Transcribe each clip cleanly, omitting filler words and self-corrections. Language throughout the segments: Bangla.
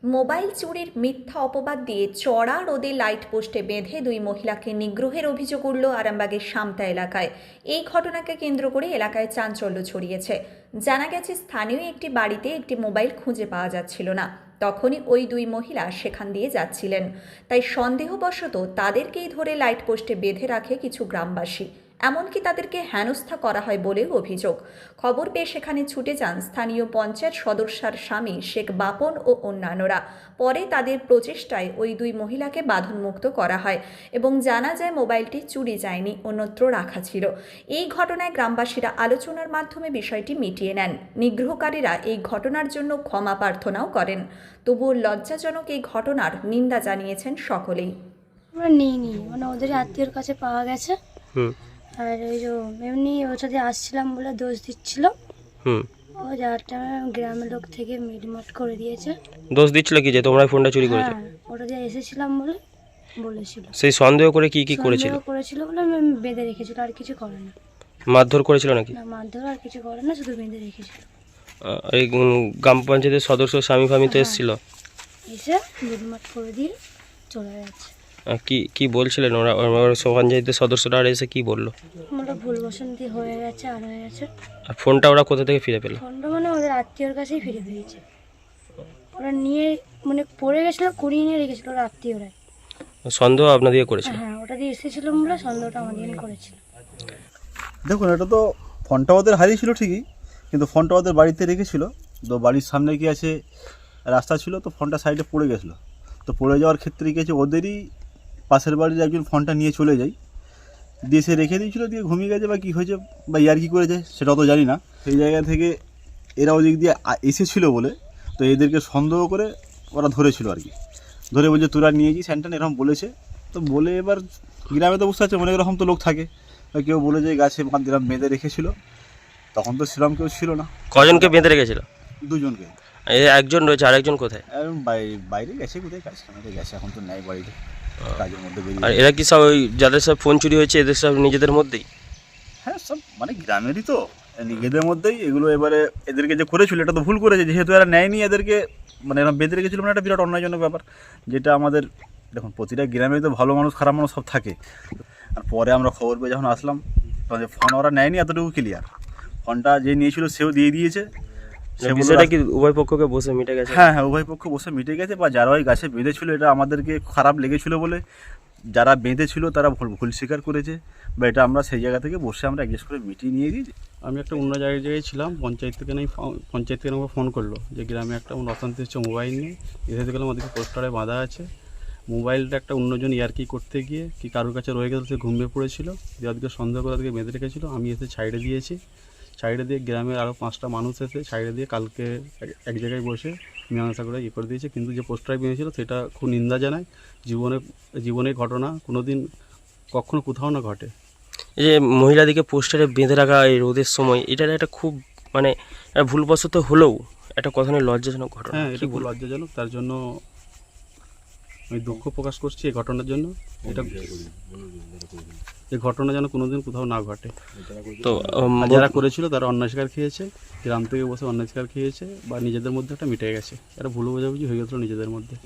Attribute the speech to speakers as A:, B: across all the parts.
A: মোবাইল চুরির মিথ্যা অপবাদ দিয়ে চড়া রোদে লাইট পোস্টে বেঁধে দুই মহিলাকে নিগ্রহের অভিযোগ উঠল আরামবাগের সামতা এলাকায়। এই ঘটনাকে কেন্দ্র করে এলাকায় চাঞ্চল্য ছড়িয়েছে। জানা গেছে, স্থানীয় একটি বাড়িতে একটি মোবাইল খুঁজে পাওয়া যাচ্ছিল না। তখনই ওই দুই মহিলা সেখান দিয়ে যাচ্ছিলেন। তাই সন্দেহবশত তাদেরকেই ধরে লাইট পোস্টে বেঁধে রাখে কিছু গ্রামবাসী। এমনকি তাদেরকে হেনস্থা করা হয় বলেও অভিযোগ। খবর পেয়ে সেখানে ছুটে যান স্থানীয় পঞ্চায়েত সদস্যার স্বামী শেখ বাপন ও অন্যান্যরা। পরে তাদের প্রচেষ্টায় ওই দুই মহিলাকে বাঁধনমুক্ত করা হয় এবং জানা যায় মোবাইলটি চুরি যায়নি, অন্যত্র রাখা ছিল। এই ঘটনায় গ্রামবাসীরা আলোচনার মাধ্যমে বিষয়টি মিটিয়ে নেন। নিগ্রহকারীরা এই ঘটনার জন্য ক্ষমা প্রার্থনাও করেন। তবুও লজ্জাজনক এই ঘটনার নিন্দা জানিয়েছেন সকলেই।
B: আমরা নিইনি, ওদের আত্মীয়র কাছে পাওয়া গেছে। আর ওই যে এমনি ওর সাথে আসছিলাম বলে দোষ দিচ্ছিল। ও যারটা গ্রামের লোক থেকে মিটমাট করে দিয়েছে।
C: দোষ দিচ্ছিল কি যে তোমরা ফোনটা চুরি করেছো?
B: ওটা দিয়ে এসেছিলাম বলে বলেছিল।
C: সেই সন্দেহ করে কি করেছিল?
B: করেছিল বলে বেঁধে রেখেছিল, আর কিছু করে না।
C: মারধর করেছিল নাকি?
B: না, মারধর আর কিছু করে না, শুধু বেঁধে রেখেছিল।
C: এই গ্রাম পঞ্চায়েতের সদস্য স্বামী ফামি তো এসেছিল,
B: এসে মিটমাট করে দিয়ে চলে যাচ্ছে।
C: কি বলছিলেন ওরা? পঞ্চায়েতের সদস্যরা আর এসে কি বললো?
B: আমরা ভুল বসন্তি হয়ে গেছে, আর হয়ে গেছে।
C: আর ফোনটা ওরা কোথা থেকে ফিরে পেল?
B: ফোনটা ওদের আত্মীয়র কাছেই ফিরে পেয়েছে। ওরা নিয়ে পড়ে গেছিল, কুড়িয়ে নিয়ে রেখেছিল ওরা আত্মীয়রাই।
C: সন্দেহ আপনাদের করেছিল?
B: হ্যাঁ, ওটা দিয়ে এসেছিল বলে সন্দেহটা আমাদের করেছিল।
D: দেখুন, এটা তো ফোনটা ওদের হারিয়েছিল ঠিকই, কিন্তু ফোনটা ওদের বাড়িতে রেখেছিল। তো বাড়ির সামনে কি আছে রাস্তা ছিল, তো ফোনটা সাইডে পড়ে গেছিলো। তো পড়ে যাওয়ার ক্ষেত্রে কি আছে, ওদেরই পাশের বাড়ির একজন ফোনটা নিয়ে চলে যায়, দিয়ে সে রেখে দিয়েছিল, দিয়ে ঘুমিয়ে গেছে বা কী হয়েছে বা ইয়ার কী করেছে সেটা তো জানি না। সেই জায়গা থেকে এরা ওদিক দিয়ে এসেছিলো বলে তো এদেরকে সন্দেহ করে ওরা ধরেছিল আর কি। ধরে বলছে তোরা নিয়েছিস স্যান্টান, এরকম বলেছে। তো বলে এবার গ্রামে তো বুঝতে পারছে অনেক রকম তো লোক থাকে। কেউ বলে যে গাছে বাঁধ বেঁধে রেখেছিল, তখন তো সেরকম কেউ ছিল না।
C: কজনকে বেঁধে রেখেছিল?
D: দুজনকে।
C: একজন রয়েছে, আরেকজন কোথায়?
D: বাইরে গেছে, কোথায় কাজ কামাতে গেছে, এখন তো নেই বাড়িতে, কাজের মধ্যে
C: আর
D: বেরিয়ে।
C: এরা কি সব ওই যাদের সব ফোন চুরি হয়েছে এদের সব নিজেদের মধ্যেই?
D: হ্যাঁ, সব গ্রামেরই তো, নিজেদের মধ্যেই এগুলো। এবারে এদেরকে যে করেছিল এটা তো ভুল করেছে, যেহেতু এরা নেয়নি এদেরকে, এরকম বেঁধে রেখেছিল, একটা বিরাট অন্যায়জনক ব্যাপার। যেটা আমাদের দেখুন, প্রতিটা গ্রামে তো ভালো মানুষ খারাপ মানুষ সব থাকে। আর পরে আমরা খবর পেয়ে যখন আসলাম, ফোন ওরা নেয়নি, এতটুকু ক্লিয়ার। ফোনটা যে নিয়েছিল সেও দিয়ে দিয়েছে।
C: সেটা কি উভয় পক্ষকে বসে মিটে গেছে?
D: হ্যাঁ, উভয় পক্ষ বসে মিটে গেছে। বা যারা ওই গাছে বেঁধেছিল, এটা আমাদেরকে খারাপ লেগেছিল বলে যারা বেঁধেছিল তারা ভুল স্বীকার করেছে, বা এটা আমরা সেই জায়গা থেকে বসে আমরা অ্যাডজাস্ট করে মিটিয়ে নিয়ে দিয়েছি।
E: আমি একটা অন্য জায়গায় ছিলাম, পঞ্চায়েত থেকে আমাকে ফোন করলো যে গ্রামে একটা অশান্তি হচ্ছে মোবাইল নিয়ে। এসে গেলাম ওদেরকে পোস্টারে বাঁধা আছে। মোবাইলটা একটা অন্যজন ইয়ারকি করতে গিয়ে কি কারোর কাছে রয়ে গেছে, সে ঘুমিয়ে পড়েছিল, দিয়ে ওদেরকে সন্দেহ করে ওদেরকে বেঁধে রেখেছিল। আমি এসে সাইডে দিয়েছি। সাইডে দিয়ে গ্রামের আরও 5টা মানুষ এসে সাইডে দিয়ে কালকে এক জায়গায় বসে মীমাংসা করে করে দিয়েছে। কিন্তু যে পোস্টারে বেঁধেছিল সেটা খুব নিন্দা জানায়। জীবনের ঘটনা কোনোদিন কখনো কোথাও না ঘটে।
C: এই যে মহিলাদিকে পোস্টারে বেঁধে রাখা এই রোদের সময়, এটা একটা খুব ভুলবশত হলেও একটা কথা নয়, লজ্জাজনক ঘটনা।
E: হ্যাঁ, এটা খুব লজ্জাজনক। তার জন্য আমি দুঃখ প্রকাশ করছি এই ঘটনার জন্য। এই ঘটনা যেন কোনোদিন কোথাও না ঘটে।
C: তো
E: যারা করেছিল তারা অন্যায় শিকার খেয়েছে, গ্রাম থেকে বসে অন্যায় শিকার খেয়েছে, বা নিজেদের মধ্যে একটা মিটে গেছে। এটা ভুল বোঝাবুঝি হয়ে গেছিলো নিজেদের মধ্যে।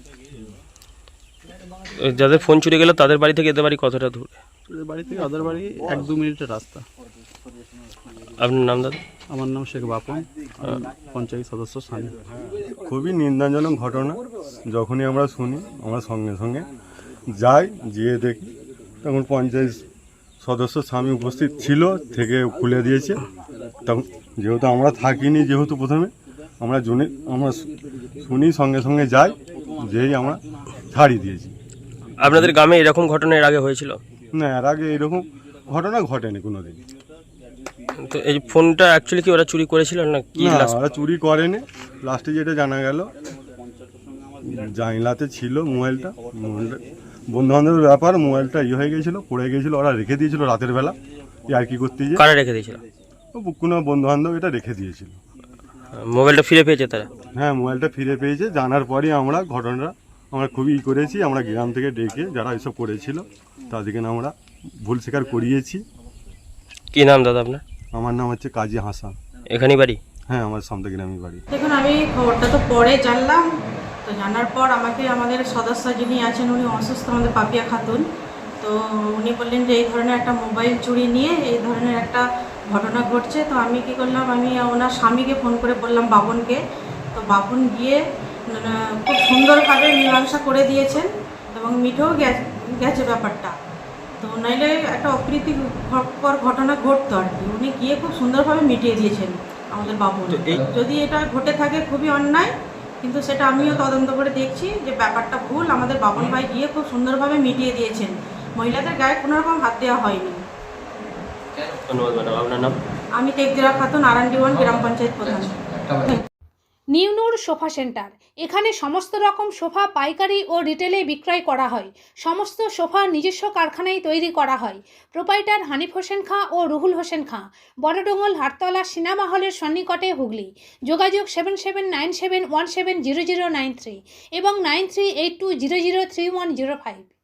C: যাদের ফোন চুরি গেল তাদের বাড়ি থেকে এদের বাড়ি কতটা দূরে?
E: ওদের বাড়ি থেকে ওদের বাড়ি 1-2 মিনিটের রাস্তা।
C: আপনার নাম দাদা?
E: আমার নাম শেখ বাপন, পঞ্চায়েত সদস্য স্বামী।
F: খুবই নিন্দাজনক ঘটনা। যখনই আমরা শুনি আমরা সঙ্গে সঙ্গে যাই, গিয়ে দেখি তখন পঞ্চায়েত সদস্য স্বামী উপস্থিত ছিল, থেকে খুলে দিয়েছে। তখন যেহেতু আমরা থাকিনি, যেহেতু প্রথমে আমরা শুনি, সঙ্গে সঙ্গে যাই, যেই আমরা ছাড়িয়ে দিয়েছি।
C: আপনাদের গ্রামে এরকম ঘটনা এর আগে হয়েছিল?
F: না, এর আগে এরকম ঘটনা ঘটেনি কোনোদিন।
C: তো এই ফোনটা অ্যাকচুয়ালি কি ওরা চুরি করেছিল না কি?
F: না, ওরা চুরি করেনি। লাস্টে যেটা জানা গেল, জানলাতে ছিল মোবাইলটা বন্ধু বান্ধবের ব্যাপার, মোবাইলটা হয়ে গেছিলো, পড়ে গেছিলো, ওরা রেখে দিয়েছিল রাতের বেলা আর কি করতে গিয়ে।
C: কারা রেখে দিয়েছিল?
F: কোনো বন্ধু বান্ধব এটা রেখে দিয়েছিল।
C: মোবাইলটা ফিরে পেয়েছে তারা?
F: হ্যাঁ, মোবাইলটা ফিরে পেয়েছে। জানার পরই আমরা ঘটনাটা খুবই করেছি। আমরা গ্রাম থেকে ডেকে যারা এসব করেছিল তাদেরকে আমরা ভুল স্বীকার করিয়েছি।
C: কি নাম দাদা আপনার?
F: আমার নাম হচ্ছে কাজী হাসান।
C: এখানেই বাড়ি?
F: হ্যাঁ, আমার সামনে গ্রামে বাড়ি।
G: দেখুন, আমি খবরটা তো পরে জানলাম, তো জানার পর আমাকে আমাদের সদস্য যিনি আছেন উনি অসুস্থ, আমাদের পাপিয়া খাতুন, তো উনি বললেন যে এই ধরনের একটা মোবাইল চুরি নিয়ে এই ধরনের একটা ঘটনা ঘটছে। তো আমি কী করলাম, আমি ওনার স্বামীকে ফোন করে বললাম, বাবনকে। তো বাবন গিয়ে খুব সুন্দরভাবে মীমাংসা করে দিয়েছেন এবং মিটেও গেছে ব্যাপারটা। তো নাইলে একটা অপ্রীতিকর ঘটনা ঘটতো আর কি, উনি গিয়ে খুব সুন্দরভাবে মিটিয়ে দিয়েছেন আমাদের বাবন। যদি এটা ঘটে থাকে খুবই অন্যায়, কিন্তু সেটা আমিও তদন্ত করে দেখছি যে ব্যাপারটা ভুল। আমাদের বাবন ভাই গিয়ে খুব সুন্দরভাবে মিটিয়ে দিয়েছেন, মহিলাদের গায়ে কোনো রকম হাত দেওয়া হয়নি।
C: ধন্যবাদ ম্যাডাম। আপনার নাম?
G: আমি তেকদিরা খাতুন, RD1 গ্রাম পঞ্চায়েত প্রধান।
H: নিউ নূর সোফা সেন্টার, এখানে সমস্ত রকম সোফা পাইকারি ও রিটেলে বিক্রয় করা হয়। সমস্ত সোফা নিজস্ব কারখানায় তৈরি করা হয়। প্রোপাইটার হানিফ হোসেন খাঁ ও রুহুল হোসেন খাঁ, বড়ডোঙ্গল হাটতলা সিনেমা হলের সন্নিকটে, হুগলি। যোগাযোগ 7797170093 এবং 9382003105।